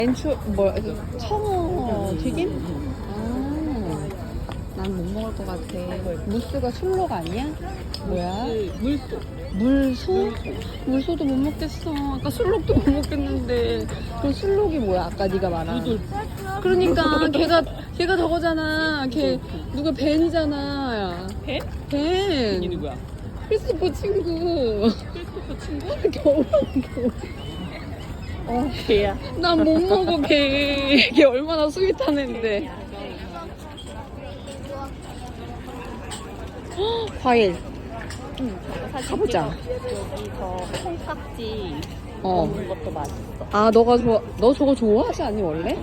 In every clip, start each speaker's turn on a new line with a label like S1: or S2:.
S1: 엔초 뭐야? 청어 튀김? 난 못 먹을 것 같아. 무스가 술록 아니야? 뭐야?
S2: 물소.
S1: 물소? 물소도 못 먹겠어. 아까 술록도 못 먹겠는데. 그 술록이 뭐야? 아까 네가 말한. 그러니까 걔가 저거잖아. 걔 누가 벤이잖아.
S2: 벤?
S1: 벤.
S2: 이 누구야?
S1: 크리스토퍼 친구.
S2: 크리스토퍼 친구?
S1: 겨울.
S2: 걔야.
S1: 난 못 먹어 걔. 걔 얼마나 스윗한 앤데. 과일.
S2: 사진
S1: 가보자.
S2: 여기서 콩깍지
S1: 어.
S2: 먹는 것도 맛있어.
S1: 아 너가 너 저거 좋아하지 않니 원래?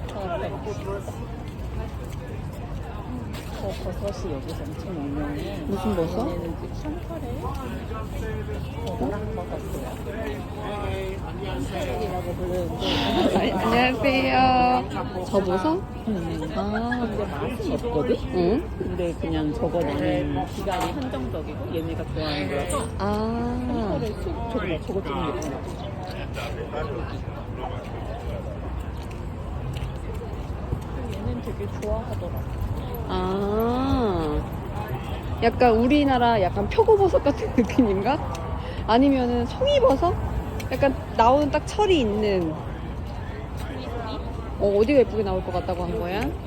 S2: 저 버섯이 여기서 엄청 유명해.
S1: 무슨 버섯?
S2: 얘는 샹카레? 버섯이야. 샹카레이라고 부르는데.
S1: 안녕하세요. 저 버섯? 아.
S2: 근데 맛은 없거든?
S1: 응?
S2: 근데 그냥 저거 나는 기간이 한정적이고 얘네가 좋아하는 거라서
S1: 아.
S2: 샹카레 저거 좀 예쁘다. 얘는 되게 좋아하더라.
S1: 아. 약간 우리나라 약간 표고버섯 같은 느낌인가? 아니면은 송이버섯? 약간 나오는 딱 철이 있는. 어디가 예쁘게 나올 것 같다고 한 거야?